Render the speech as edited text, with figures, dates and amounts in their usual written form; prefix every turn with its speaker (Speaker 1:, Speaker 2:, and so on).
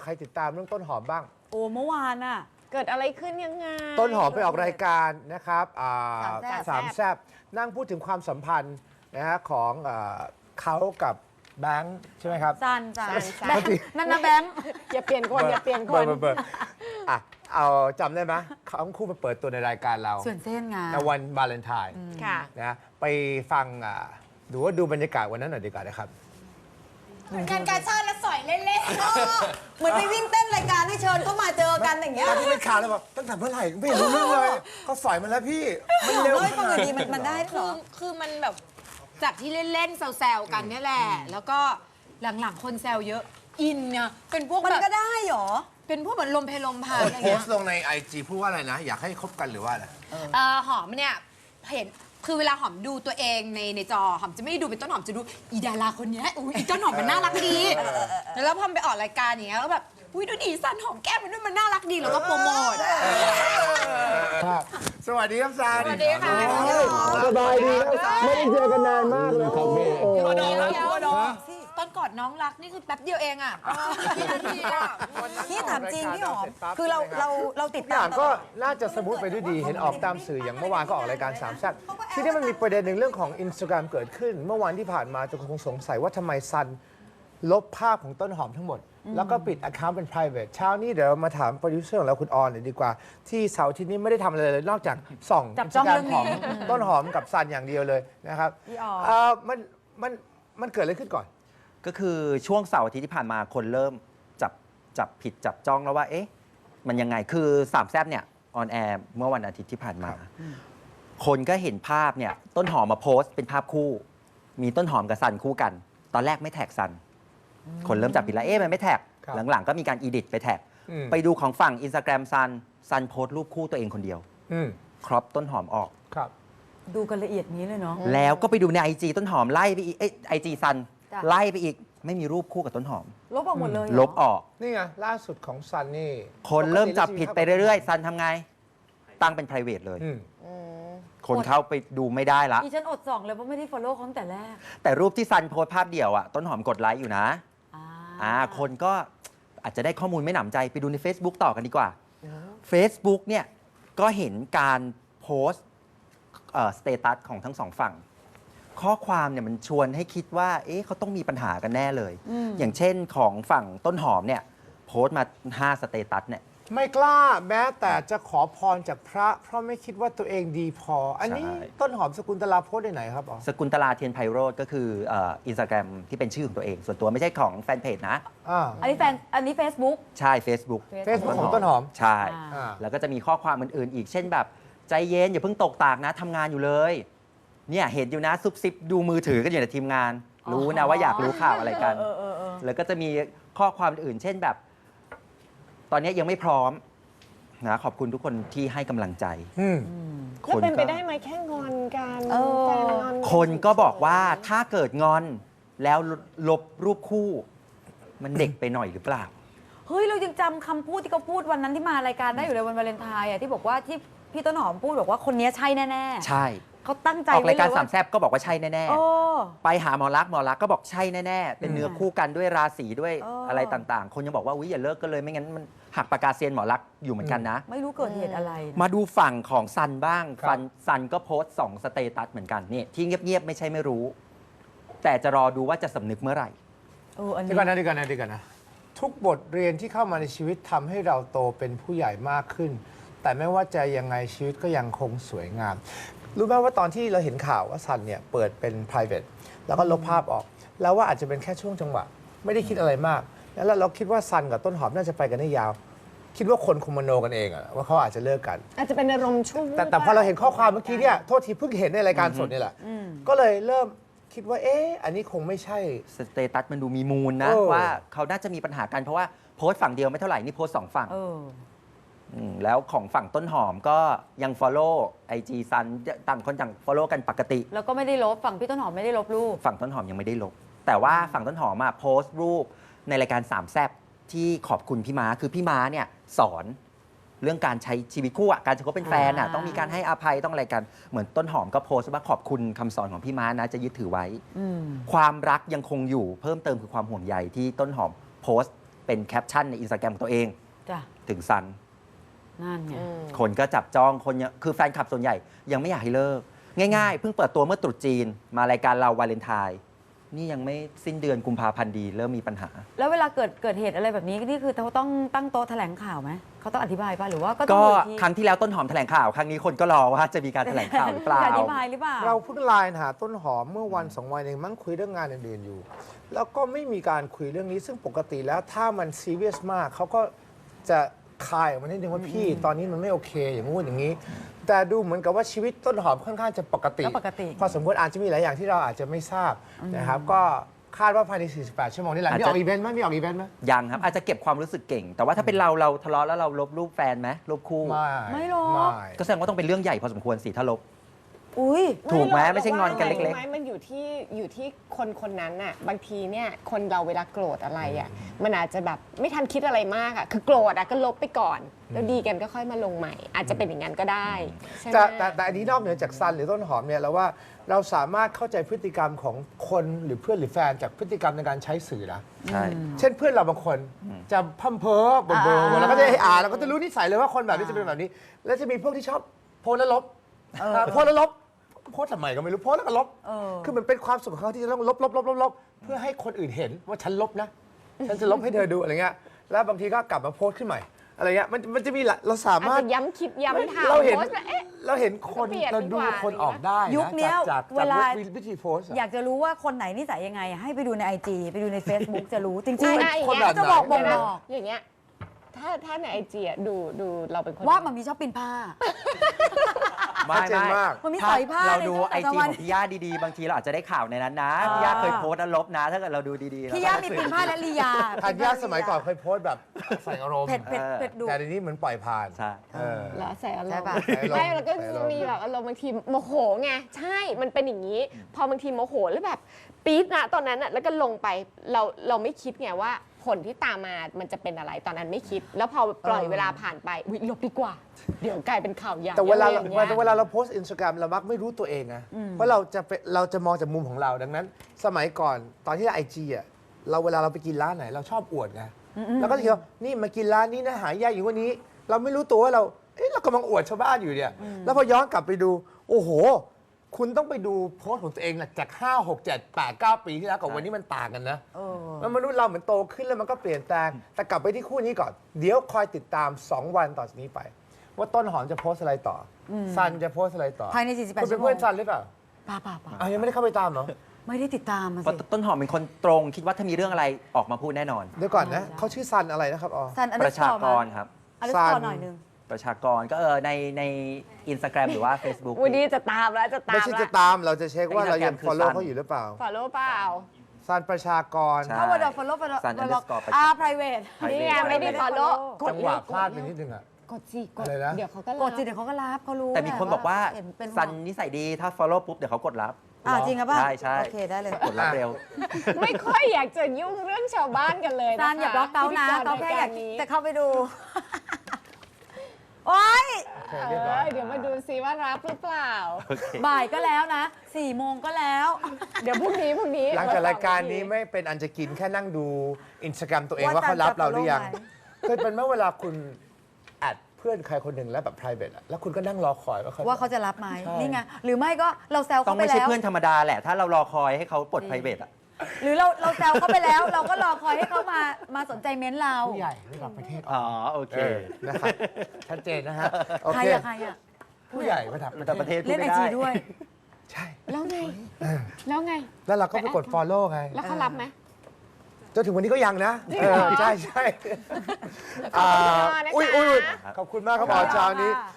Speaker 1: ครติดตามเรื่องต้นหอมบ้าง
Speaker 2: โอ้เมื่อวานอะ
Speaker 3: เกิดอะไรขึ้นยังไง
Speaker 1: ต้นหอมไปออกรายการนะครับสามแซบนั่งพูดถึงความสัมพันธ์นะฮะของเขากับแบงค์ใช่ไหมครับ
Speaker 2: ซันแบงค์นั่นนะแบงค์
Speaker 3: อย่าเปลี่ยนคนอย่าเปลี่ยนคน
Speaker 1: อ่ะเอาจำได้ไหมเขาทั้งคู่มาเปิดตัวในรายการเรา
Speaker 2: ส่วนเส้นไง
Speaker 1: ในวันวาเลนไทน์นะไปฟังดูบรรยากาศวันนั้นหน่อยดีกว่านะครับ
Speaker 4: งานการชาติแล้วสอยเล่นๆเหมือนไปวิ่งเต้นรายการให้เชิญเข้ามาเจอกันอย่างเงี้ย
Speaker 1: ที่เป็นข่าวเลยบอกตั้งแต่เมื่อไหร่ไม่รู้เรื่องเลยเขาสอยมาแล้วพี่
Speaker 4: มันเร็วปกติมันได้หรอ
Speaker 5: คือมันแบบจากที่เล่นๆแซวๆกันนี่แหละแล้วก็หลังๆคนแซวเยอะอินเนี่ยเป็นพวก
Speaker 4: มันก็ได้หรอ
Speaker 5: เป็นพวกเหมือนลมเพลลมพาอะไร
Speaker 1: เงี้ยโพสต์ลงใน IG พูดว่าอะไรนะอยากให้คบกันหรือว่าอะไร
Speaker 5: หอมเนี่ยเห็นคือเวลาหอมดูตัวเองในจอหอมจะไม่ได้ดูเป็นต้นหอมจะดูอีดาราคนนี้อีต้นหอมมันน่ารักดีแล้วพอไปออกรายการอย่างเงี้ยแล้วแบบดูดีสันหอมแก้มมันด้วยมันน่ารักดีแล้วก็โปรโมท
Speaker 1: สวัสดีครับซัน
Speaker 5: สวัสดีค่ะ
Speaker 1: สบายดีครับไม่ได้เจอกันนานมากเลยครับพี่
Speaker 5: ตอนกอดน้องรักนี่คือแป๊บเดียวเองอ่ะ
Speaker 4: พี่ถามจริงพี่หอมคือเราติด
Speaker 1: ตามก็น่าจะสมูทไปด้วยดีเห็นออกตามสื่ออย่างเมื่อวานก็ออกรายการสามแซ่บที่นี่มันมีประเด็นหนึ่งเรื่องของ Instagram เกิดขึ้นเมื่อวานที่ผ่านมาจะคงสงสัยว่าทำไมซันลบภาพของต้นหอมทั้งหมดแล้วก็ปิด account เป็น private เช้านี้เดี๋ยวมาถามโปรดิวเซอร์ของเราคุณออนเลยดีกว่าที่เสาร์ที่นี้ไม่ได้ทำอะไรเลยนอกจากส่อง Instagram ของต้นหอมกับซันอย่างเดียวเลยนะครับมันเกิดอะไรขึ้นก่อน
Speaker 6: ก็คือช่วงเสาร์อาทิตย์ที่ผ่านมาคนเริ่มจับผิดจับจ้องแล้วว่าเอ๊ะมันยังไงคือสามแซ่บเนี่ยออนแอร์เมื่อวันอาทิตย์ที่ผ่านมาคนก็เห็นภาพเนี่ยต้นหอมมาโพสต์เป็นภาพคู่มีต้นหอมกับซันคู่กันตอนแรกไม่แท็กซันคนเริ่มจับผิดแล้วเอ๊ะมันไม่แท็กหลังๆก็มีการอีดิทไปแท็กไปดูของฝั่ง Instagram ซันโพสต์รูปคู่ตัวเองคนเดียวครอปต้นหอมออก
Speaker 2: ดูกันละเอียดนี้เลยเนาะ
Speaker 6: แล้วก็ไปดูใน IG ต้นหอมไล่ไปอีกIG ซันไล่ไปอีกไม่มีรูปคู่กับต้นหอม
Speaker 2: ลบออกหมดเลย
Speaker 6: ลบออก
Speaker 1: นี่ไงล่าสุดของซันนี่
Speaker 6: คนเริ่มจับผิดไปเรื่อยๆซันทำไงตั้งเป็น private เลยคนเข้าไปดูไม่ได้ละ
Speaker 2: ดิฉันอดส่องเลยเพราะไม่ได้ follow เขาตั้งแต่แรก
Speaker 6: แต่รูปที่ซันโพสภาพเดี่ยวอ่ะต้นหอมกดไลค์อยู่นะคนก็อาจจะได้ข้อมูลไม่หนำใจไปดูใน Facebook ต่อกันดีกว่า Facebook เนี่ยก็เห็นการโพสสเตตัสของทั้งสองฝั่งข้อความเนี่ยมันชวนให้คิดว่าเอ๊ะเขาต้องมีปัญหากันแน่เลยอย่างเช่นของฝั่งต้นหอมเนี่ยโพสต์มา5สเตตัสเนี่ย
Speaker 1: ไม่กล้าแม้แต่จะขอพรจากพระเพราะไม่คิดว่าตัวเองดีพออันนี้ต้นหอมสกุลตลาโพสต์ได้ไหนครับ
Speaker 6: สกุลตลาเทียนไพโรจน์ก็คือInstagram ที่เป็นชื่อของตัวเองส่วนตัวไม่ใช่ของแฟนเพจนะ
Speaker 2: อันนี้ Facebook
Speaker 6: ใช่ Facebook
Speaker 1: ของต้นหอม
Speaker 6: ใช่แล้วก็จะมีข้อความอื่นๆอีกเช่นแบบใจเย็นอย่าเพิ่งตกตากนะทำงานอยู่เลยเนี่ยเห็นอยู่นะซุบซิบดูมือถือกันอยู่ในทีมงานรู้นะว่าอยากรู้ข่าวอะไรกันแล้วก็จะมีข้อความอื่นเช่นแบบตอนนี้ยังไม่พร้อมนะขอบคุณทุกคนที่ให้กำลังใจ
Speaker 3: แล้วเป็นไปได้ไหมแค่งอนกันแฟนงอน
Speaker 6: คนก็บอกว่าถ้าเกิดงอนแล้วลบรูปคู่มันเด็กไปหน่อยหรือเปล่า
Speaker 2: เฮ้ยเรายังจำคำพูดที่เขาพูดวันนั้นที่มารายการได้อยู่เลยวันวาเลนไทน์ที่บอกว่าที่พี่ต้นหอมพูดบอกว่าคนนี้ใช่แน่
Speaker 6: ๆใช่
Speaker 2: เขาตั้งใจ
Speaker 6: ออกรายการสามแซ่บก็บอกว่าใช่แน่ๆไปหาหมอรักก็บอกใช่แน่ๆเป็นเนื้อคู่กันด้วยราศีด้วยอะไรต่างๆคนยังบอกว่าอย่าเลิกกันเลยไม่งั้นมันหักปากกาเซียนหมอรักอยู่เหมือนกันนะ
Speaker 2: ไม่รู้เกิดเหตุอะไร
Speaker 6: มาดูฝั่งของซันบ้างซันก็โพสต์2สเตตัสเหมือนกันนี่ที่เงียบๆไม่ใช่ไม่รู้แต่จะรอดูว่าจะสำนึกเมื่อไหร่
Speaker 1: ดีกันนะทุกบทเรียนที่เข้ามาในชีวิตทำให้เราโตเป็นผู้ใหญ่มากขึ้นแต่ไม่ว่าจะยังไงชีวิตก็ยังคงสวยงามรู้ไหมว่าตอนที่เราเห็นข่าวว่าซันเนี่ยเปิดเป็น private แล้วก็ลบภาพออกแล้วว่าอาจจะเป็นแค่ช่วงจังหวะไม่ได้คิดอะไรมากแล้วเราคิดว่าซันกับต้นหอมน่าจะไปกันได้ยาวคิดว่าคนคงมโนกันเองว่าเขาอาจจะเลิกกัน
Speaker 3: อาจจะเป็นอารมณ์ชั่ว
Speaker 1: แต่พอเราเห็นข้อความเมื่อกี้เนี่ยโทษทีเพิ่งเห็นในรายการสดนี่แหละก็เลยเริ่มคิดว่าอันนี้คงไม่ใช่
Speaker 6: สเตตัสมันดูมีมูลนะว่าเขาน่าจะมีปัญหากันเพราะว่าโพสต์ฝั่งเดียวไม่เท่าไหร่นี่โพสต์2ฝั่งแล้วของฝั่งต้นหอมก็ยัง follow IG ซันต่างคนต่าง follow กันปกติ
Speaker 2: แล้วก็ไม่ได้ลบฝั่งพี่ต้นหอมไม่ได้ลบรูป
Speaker 6: ฝั่งต้นหอมยังไม่ได้ลบแต่ว่าฝั่งต้นหอมโพสต์รูปในรายการสามแซ่บที่ขอบคุณพี่ม้าคือพี่ม้าเนี่ยสอนเรื่องการใช้ชีวิตคู่การจะคบเป็นแฟนต้องมีการให้อภัยต้องอะไรกันเหมือนต้นหอมก็โพสต์ว่าขอบคุณคำสอนของพี่ม้านะจะยึดถือไว้ความรักยังคงอยู่เพิ่มเติมคือความห่วงใยที่ต้นหอมโพสต์เป็นแคปชั่นในอินสตาแกรมของตัวเอง
Speaker 2: จ้ะ
Speaker 6: ถึงซัน
Speaker 2: นั่นไง
Speaker 6: คนก็จับจ้องคนยังคือแฟนคลับส่วนใหญ่ยังไม่อยากให้เลิก ง่ายๆ เพิ่งเปิดตัวเมื่อตรุษจีน มารายการเราวาเลนไทน์นี่ยังไม่สิ้นเดือนกุมภาพันธ์ดีเริ่มมีปัญหา
Speaker 2: แล้วเวลาเกิดเหตุอะไรแบบนี้นี่คือเขาต้องตั้งโต๊ะแถลงข่าวไหมเขาต้องอธิบายป่ะหรือว่าก็ต้อ
Speaker 6: ก็
Speaker 2: งดูอีกที
Speaker 6: ครั้งที่แล้วต้นหอมแถลงข่าว ครั้งนี้คนก็รอว่าจะมีการแถลงข่าวหรือเปล่า
Speaker 2: จะอธิบายหรือเปล่า
Speaker 1: เราเพิ่งไลน์หาต้นหอมเมื่อวันสองวันเองมั้งคุยเรื่องงานอื่นๆอยู่ แล้วก็ไม่มีการคุยเรื่องนี้ซึ่งปกติแล้วถ้ามันซีเรียสมากเขาก็จะคายออกมานิดนึงว่าพี่ตอนนี้มันไม่โอเคอย่างงู้นอย่างนี้ แต่ดูเหมือนกับว่าชีวิตต้นหอมค่อนข้างจะปกติ
Speaker 2: ก็ปกติ
Speaker 1: พอสมควรอาจจะมีหลายอย่างที่เราอาจจะไม่ทราบนะครับก็คาดว่าภายใน 48 ชั่วโมงนี่แหละ
Speaker 6: อาจ
Speaker 1: มี
Speaker 6: จะ
Speaker 1: ออกอีเวนต์ไหมมีออกอีเวนต์ไหม
Speaker 6: ยังครับ อาจจะเก็บความรู้สึกเก่ง แต่ว่าถ้าเป็นเราทะเลาะแล้วเราลบรูปแฟนไหมลบคู่
Speaker 2: ไม่หรอก
Speaker 1: ไม่
Speaker 6: ก็แสดงว่าต้องเป็นเรื่องใหญ่พอสมควรสิถ้าลบ
Speaker 2: อุ้ย
Speaker 6: ถูกไหม
Speaker 3: ร
Speaker 6: ไม่ใช่งอนกันเล็กๆ
Speaker 3: ไม่มันอยู่ที่คนคนนั้นน่ะบางทีเนี่ยคนเราเวลาโกรธอะไรอ่ะมันอาจจะแบบไม่ทันคิดอะไรมากอ่ะคือโกรธอ่ะก็ลบไปก่อน แล้วดีกันก็ค่อยมาลงใหม่ อาจจะเป็นอย่างนั้นก็ได้ใช่ไหม
Speaker 1: แต่อันนี้นอกเหนือจากซันหรือต้นหอมเนี่ยเราว่าเราสามารถเข้าใจพฤติกรรมของคนหรือเพื่อนหรือแฟนจากพฤติกรรมในการใช้สื่อนะ
Speaker 6: ใช่
Speaker 1: เช่นเพื่อนเราบางคนจะพัมเพอเบอร์แล้วก็จะให้อ่านแล้วก็จะรู้นิสัยเลยว่าคนแบบนี้จะเป็นแบบนี้ แล้วจะมีพวกที่ชอบโพสแล้วลบโพสแล้วลบโพสทำไมก็ไม่รู้โพสแล้วก็ลบคือมันเป็นความสุขของเขาที่จะต้องลบเพื่อให้คนอื่นเห็นว่าฉันลบนะฉันจะลบให้เธอดูอะไรเงี้ยแล้วบางทีก็กลับมาโพสขึ้นใหม่อะไรเงี้ยมันจะมีเราสา
Speaker 3: อาจ
Speaker 1: มารถ
Speaker 3: จะย้ำคิดย้ำทำ
Speaker 1: เราเห็น
Speaker 3: โพสต์แล้วเอ๊ะ
Speaker 1: เราเห็นคน
Speaker 3: เปลี่ยน
Speaker 1: เราดู
Speaker 3: ดีกว่า
Speaker 1: คนออกได้นะ
Speaker 2: ยุคเนี้ย
Speaker 1: จาก
Speaker 2: เวลา
Speaker 1: วิธีโพสต์อะ
Speaker 2: อยากจะรู้ว่าคนไหนนิสัยยังไงอะให้ไปดูใน IG ไปดูใน Facebook จะรู้จริง
Speaker 3: อ่ะ
Speaker 2: ๆ
Speaker 1: คนแบบไหน
Speaker 2: จะบอก
Speaker 3: เดี๋ยวนะ
Speaker 2: บอก
Speaker 3: อย่างเงี้ยถ้าในไอจีดูเราเป็นคน
Speaker 2: ว่ามันมีชอบปีนผ้า
Speaker 6: ไม่
Speaker 1: ชัดเจนมาก
Speaker 2: มันมี
Speaker 6: ถ้า
Speaker 2: สอยผ้า
Speaker 6: เราดู
Speaker 2: ใน
Speaker 6: ไอ
Speaker 2: แต่
Speaker 6: จี
Speaker 2: ละวัน
Speaker 6: ของพี่ย่าดีๆ บางทีเราอาจจะได้ข่าวในนั้นนะพี่ย่าเคยโพสต์แล้วลบนะ ถ้าเกิดเราดูดีๆ
Speaker 2: พี่ย่ามีปีนผ้าและลียา
Speaker 1: ทันยาสมัยก่อนเคยโพสต์แบบใส่อารมณ์
Speaker 2: เผ็ดดุ
Speaker 1: แต่เดี๋ยวนี้เหมือนปล่อยผ่าน
Speaker 6: ใช่
Speaker 1: เออ
Speaker 3: แล้วใส่อาร
Speaker 2: ใช่
Speaker 3: มณ์
Speaker 2: ปะ
Speaker 3: ไม่แล้วก็จะมีแบบอารมณ์บางทีโมโหไงใช่มันเป็นอย่างนี้ พอบางทีโมโหแล้วแบบปี๊ดนะตอนนั้นอะแล้วก็ลงไปเราไม่คิดไงว่าผลที่ตามมามันจะเป็นอะไรตอนนั้นไม่คิด แล้วพอปล่อยเวลาผ่านไปอุ๊ยลบดีกว่า เดี๋ยวกลายเป็นข่าวใหญ่
Speaker 1: แต่เวลา
Speaker 3: อะไรอย่างเงี้ย
Speaker 1: เวลาเราโพสต์อินสตาแกรมเรามักไม่รู้ตัวเองนะเพราะเราจะมองจากมุมของเราดังนั้น สมัยก่อนตอนที่ไอจีอ่ะเวลาเราไปกินร้านไหนเราชอบอวดไงแล้วก็จะคิดว่านี่มากินร้านนี้นะหายากอยู่วันนี้ เราไม่รู้ตัวว่าเรากำลังอวดชาวบ้านอยู่เนี่ยแล้วพอย้อนกลับไปดูโอ้โห คุณต้องไปดูโพสต์ของตัวเองนะจาก 5 6 7 8 9 ปีที่แล้วกับวันนี้มันต่างกันนะแล้วมนุษย์เราเหมือนโตขึ้นแล้วมันก็เปลี่ยนแปลงแต่กลับไปที่คู่นี้ก่อนเดี๋ยวคอยติดตาม 2 วันต่อจากนี้ไป ว่าต้นหอมจะโพสต์อะไรต่ออซันจะโพสต์อะไรต่อ
Speaker 2: ภายใน48
Speaker 1: คุณเป็นเพื่อนซันหรือเปล่า
Speaker 2: ป่า
Speaker 1: อ้าวยังไม่ได้เข้าไปตามเหรอ
Speaker 2: ไม่ได้ติดตามมา
Speaker 6: เพราะ
Speaker 2: สิ
Speaker 6: ต้นหอมเป็นคนตรงคิดว่าถ้ามีเรื่องอะไรออกมาพูดแน่นอน
Speaker 1: เดี๋ยวก่อนนะเขาชื่อซันอะไรนะครับอ๋อ
Speaker 2: ซันอัน
Speaker 6: ป
Speaker 2: ดั
Speaker 6: ระชากรครับ
Speaker 2: อันดับ
Speaker 1: ซัน
Speaker 2: หน่อยนึง
Speaker 6: ประชากรก็ในอินสตาแกรมหรือว่า Facebook
Speaker 3: วันนี้จะตามแล้วจะตาม
Speaker 1: ไม่ใช่จะตามเราจะเช็คว่าเรายัง
Speaker 6: Instagram คือ
Speaker 1: follow
Speaker 6: ซัน
Speaker 1: เขาอยู่หรือเปล่า
Speaker 3: follow เปล่า
Speaker 1: ซันประชากร
Speaker 6: ใช่
Speaker 2: ถ้าว่าเรา follow
Speaker 6: ซัน underscore ประชากร
Speaker 2: private
Speaker 3: นี่ไงไม่ได้ follow
Speaker 1: จังหวะพลาดไปนิดนึงอ่ะ
Speaker 3: กดสิกด
Speaker 1: อะไรนะ
Speaker 3: เดี๋ยวเขาก็
Speaker 2: กดสิเดี๋ยวเขาก็รับเขารู้
Speaker 6: แต่มีคนบอกว่า
Speaker 2: เห็นเป็น
Speaker 6: ซันนิสัยดีถ้า follow ปุ๊บเดี๋ยวเขากดรับ
Speaker 2: จริงครับป่ะ
Speaker 6: ใช่
Speaker 2: โอเคได้เลย
Speaker 6: กดรับเร็ว
Speaker 3: ไม่ค่อยอยากจะยุ่งเรื่องชาวบ้านกันเลยนะคะ
Speaker 2: ซันอย่าบล็อกเขานะ
Speaker 3: พิธี
Speaker 2: เขาแค่อยาก
Speaker 3: รนี้
Speaker 2: จะเข้าไปดู โอ๊ย
Speaker 1: โอเคเรียบร้อย
Speaker 3: เดี๋ยวมาดูซิว่ารับหรือเปล่า
Speaker 2: บ่ายก็แล้วนะ4 โมงก็แล้ว
Speaker 3: เดี๋ยวพรุ่งนี้
Speaker 1: หลังจากรายการนี้ไม่เป็นอันจะกินแค่นั่งดูอินสตาแกรมตัวเองว่าเขารับเราหรือยัง เคยเป็นเมื่อเวลาคุณแอดเพื่อนใครคนหนึ่งแล้วแบบ private อะแล้วคุณก็นั่งรอคอยว่าเขา
Speaker 2: ว่าเขาจะรับไหม
Speaker 1: ใช่
Speaker 2: นี่ไงหรือไม่ก็เราแซว
Speaker 6: ต้อ
Speaker 2: เขา
Speaker 6: ง
Speaker 2: ไป
Speaker 6: ไม่ใช่
Speaker 2: แล้ว
Speaker 6: เพื่อนธรรมดาแหละ ถ้าเรารอคอยให้เขาปลด private อ่ะ
Speaker 2: หรือเราแซวเขาไปแล้ว เราก็รอคอยให้เขามาสนใจเม้นต์เรา
Speaker 1: ผู้ใหญ่ระดับประเทศ
Speaker 6: อ๋อ โอเค
Speaker 1: นะครับชัดเจนนะฮะโอ
Speaker 2: ใคร
Speaker 1: เค
Speaker 2: อะใครอะ
Speaker 1: ผู้ใหญ่ระดับ
Speaker 6: แต่ประเทศพู
Speaker 2: เล่
Speaker 6: ด
Speaker 2: นไอ
Speaker 6: ไม่
Speaker 2: จี
Speaker 6: ได้
Speaker 2: ด้วย
Speaker 1: ใช่
Speaker 3: แล้วไง แล้วไง
Speaker 1: แล้วเราก็ไปกด follow ไง
Speaker 3: แล้วเขารับไหม
Speaker 1: จนถึงวันนี้ก็ยังนะ
Speaker 3: จริงเหรอ
Speaker 1: ใช่
Speaker 3: ขอบคุณนะคะ
Speaker 1: ขอบคุณมากครับหมอเช้านี้